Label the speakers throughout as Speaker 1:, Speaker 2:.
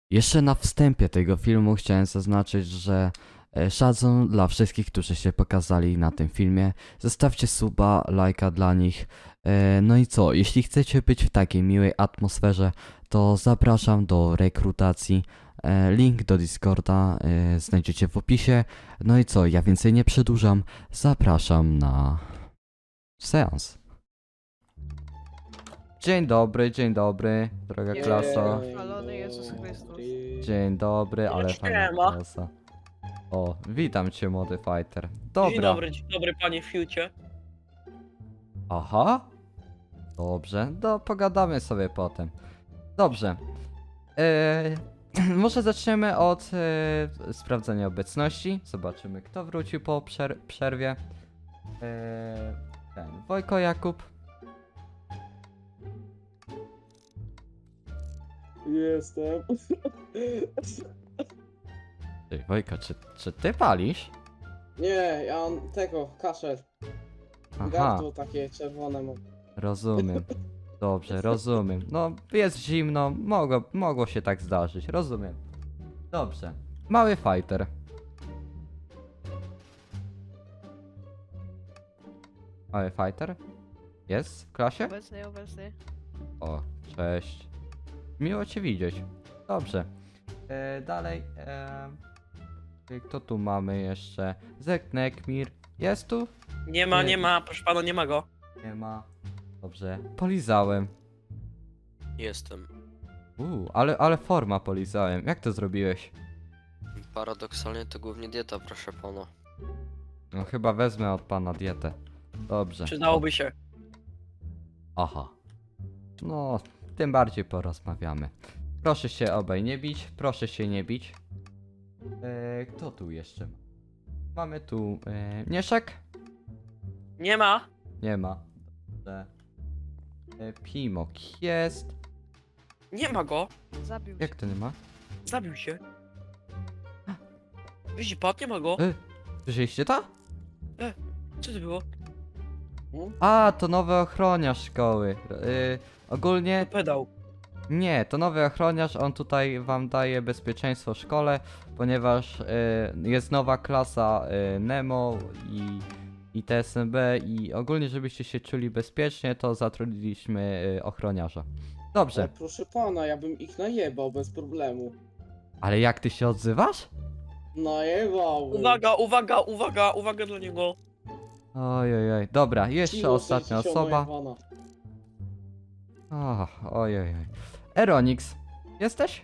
Speaker 1: Jeszcze na wstępie tego filmu chciałem zaznaczyć, że szacun dla wszystkich, którzy się pokazali na tym filmie. Zostawcie suba, lajka dla nich. No i co, jeśli chcecie być w takiej miłej atmosferze, to zapraszam do rekrutacji. Link do Discorda znajdziecie w opisie. No i co, ja więcej nie przedłużam. Zapraszam na seans. Dzień dobry, droga klaso.
Speaker 2: Chwalony Jezus Chrystus.
Speaker 1: Dzień dobry, ale fajna
Speaker 3: Siema.
Speaker 1: klasa. O, witam cię, młody fighter.
Speaker 3: Dzień
Speaker 1: Dobra.
Speaker 3: dzień dobry panie Fiucie.
Speaker 1: Aha. Dobrze, pogadamy sobie potem. Dobrze. Może zaczniemy od sprawdzenia obecności. Zobaczymy, kto wrócił po przerwie. Wojko Jakub.
Speaker 4: Jestem.
Speaker 1: Ty, Wojko, czy ty palisz?
Speaker 4: Nie, ja mam tego, kaszel.
Speaker 1: Aha,
Speaker 4: Gardło takie czerwone mam.
Speaker 1: rozumiem. Dobrze, rozumiem. No, jest zimno, mogło się tak zdarzyć, rozumiem. Dobrze. Mały fighter. Mały fighter? Jest w klasie?
Speaker 2: Obecny.
Speaker 1: O, cześć. Miło cię widzieć. Dobrze. Dalej. Kto tu mamy jeszcze? Zeknekmir. Jest tu?
Speaker 3: Nie ma, proszę pana, nie ma go.
Speaker 1: Nie ma. Dobrze. Polizałem.
Speaker 5: Jestem.
Speaker 1: Ale forma polizałem. Jak to zrobiłeś?
Speaker 5: Paradoksalnie to głównie dieta, proszę pana.
Speaker 1: No chyba wezmę od pana dietę. Dobrze.
Speaker 3: Przydałoby się.
Speaker 1: Aha. No, tym bardziej porozmawiamy. Proszę się obaj nie bić. Proszę się nie bić. Kto tu jeszcze ma? Mamy tu Mieszek?
Speaker 3: Nie ma.
Speaker 1: Nie ma. Dobrze. Pimok jest.
Speaker 3: Nie ma go.
Speaker 2: Zabił się.
Speaker 1: Jak to nie ma?
Speaker 3: Zabił się. Widzi pan, nie ma go.
Speaker 1: Słyszeliście to?
Speaker 3: Co to było?
Speaker 1: A, to nowy ochroniarz szkoły. Ogólnie
Speaker 3: Pedał.
Speaker 1: nie, to nowy ochroniarz, on tutaj wam daje bezpieczeństwo w szkole, ponieważ jest nowa klasa Nemo i TSMB i ogólnie żebyście się czuli bezpiecznie, to zatrudniliśmy ochroniarza. Dobrze,
Speaker 4: Ale proszę pana, ja bym ich najebał bez problemu.
Speaker 1: ale jak ty się odzywasz?
Speaker 4: Najebałbym.
Speaker 3: Uwaga dla niego.
Speaker 1: Ojej, dobra, jeszcze
Speaker 4: Cicho,
Speaker 1: ostatnia
Speaker 4: sześćdziesiąt
Speaker 1: osoba.
Speaker 4: najebana.
Speaker 1: Ojej. Eronix, jesteś?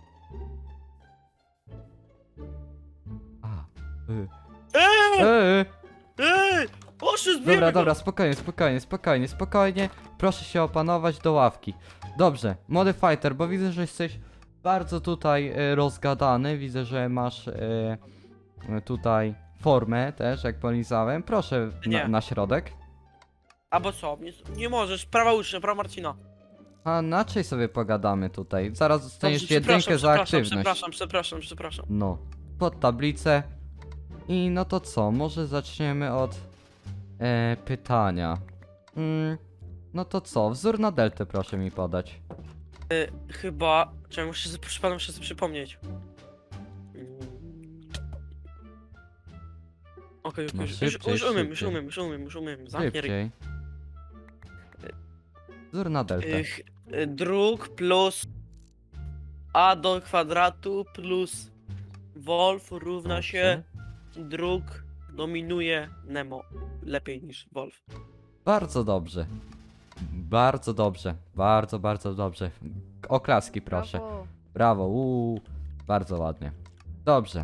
Speaker 1: A,
Speaker 3: Eee! Eee! Oszy zbierz
Speaker 1: Dobra, spokojnie. Proszę się opanować do ławki. Dobrze, młody fighter, bo widzę, że jesteś bardzo tutaj rozgadany. Widzę, że masz tutaj formę też, jak polizałem. Proszę
Speaker 3: Nie.
Speaker 1: na środek.
Speaker 3: Albo co? Nie możesz. Prawa ucznia, prawa Marcina.
Speaker 1: A inaczej sobie pogadamy tutaj. Zaraz dostaniesz
Speaker 3: Dobrze,
Speaker 1: jedynkę za aktywność.
Speaker 3: Przepraszam.
Speaker 1: No, pod tablicę. I no to co, może zaczniemy od pytania. No to co, wzór na deltę proszę mi podać.
Speaker 3: Chyba... Czekaj, muszę sobie przypomnieć. Okej,
Speaker 1: No
Speaker 3: już
Speaker 1: szybciej.
Speaker 3: umiem. Zamknij ryj.
Speaker 1: Szybciej. Wzór na deltę.
Speaker 3: Druk plus a do kwadratu plus Wolf równa się druk dominuje Nemo. Lepiej niż Wolf.
Speaker 1: Bardzo dobrze. Bardzo dobrze. Bardzo dobrze. Oklaski proszę.
Speaker 2: Brawo.
Speaker 1: Brawo. Bardzo ładnie. Dobrze.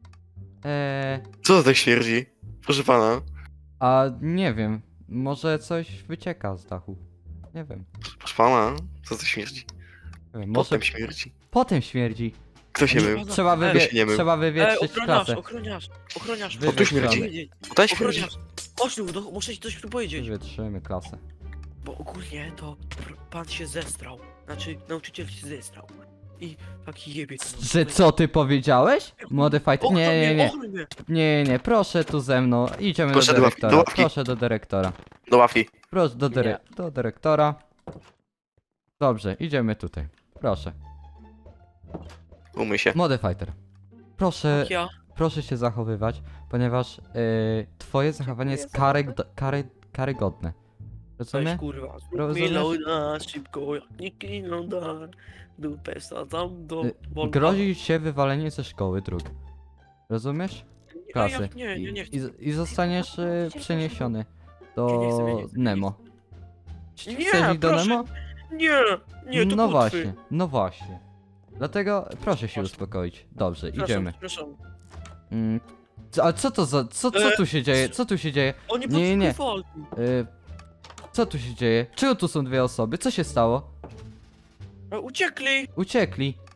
Speaker 6: Co to tak śmierdzi? Proszę pana.
Speaker 1: A nie wiem. Może coś wycieka z dachu. Nie wiem.
Speaker 6: Proszę pana. Co to śmierdzi?
Speaker 1: Nie wiem, może
Speaker 6: Potem śmierdzi.
Speaker 1: potem śmierdzi.
Speaker 6: Kto się mył?
Speaker 1: Trzeba,
Speaker 6: się nie mył.
Speaker 1: trzeba wywietrzyć klasę.
Speaker 3: Ochroniarz.
Speaker 6: O, tu śmierdzi. Tutaj śmierdzi.
Speaker 3: Ochroniarz. Chodź tu, muszę ci coś tu powiedzieć.
Speaker 1: Wywietrzymy klasę.
Speaker 3: Bo ogólnie to pan się zestrał. Znaczy, nauczyciel się zestrał. I taki jebie.
Speaker 1: Że co ty powiedziałeś? Młody fighter. Nie.
Speaker 3: Ochroń mnie.
Speaker 1: Nie, proszę tu ze mną. Idziemy
Speaker 6: Proszę
Speaker 1: do
Speaker 6: do ławki,
Speaker 1: dyrektora.
Speaker 6: do ławki.
Speaker 1: Proszę do dyrektora.
Speaker 6: Do ławki.
Speaker 1: Proszę do
Speaker 3: Nie.
Speaker 1: do dyrektora. Dobrze, idziemy tutaj. Proszę.
Speaker 6: Umyj się.
Speaker 1: Młody fighter. Proszę,
Speaker 3: Jak ja?
Speaker 1: proszę się zachowywać, ponieważ twoje zachowanie jest karygodne.
Speaker 3: Weź
Speaker 1: Rozumiesz?
Speaker 3: kurwa,
Speaker 1: Rozumiesz?
Speaker 3: Milona, szybko, jak nikt inną da. Dupę sadzam do Volvo.
Speaker 1: Grozi się wywalenie ze szkoły dróg. Rozumiesz?
Speaker 3: A
Speaker 1: Klasy.
Speaker 3: jak nie, nie chcę.
Speaker 1: I zostaniesz przeniesiony
Speaker 3: Ja nie
Speaker 1: do
Speaker 3: chcę, ja nie chcę.
Speaker 1: Nemo. Czy
Speaker 3: Nie,
Speaker 1: chcesz iść do
Speaker 3: proszę.
Speaker 1: Nemo?
Speaker 3: Nie, to
Speaker 1: No
Speaker 3: butwy.
Speaker 1: właśnie, no właśnie. Dlatego proszę się
Speaker 3: Proszę.
Speaker 1: uspokoić. Dobrze,
Speaker 3: Przepraszam,
Speaker 1: idziemy.
Speaker 3: Przepraszam.
Speaker 1: A co to za... Co tu się dzieje? Co tu się dzieje?
Speaker 3: Oni
Speaker 1: Nie.
Speaker 3: podpływali.
Speaker 1: Co tu się dzieje? Czego tu są dwie osoby? Co się stało?
Speaker 3: Uciekli.
Speaker 1: Uciekli.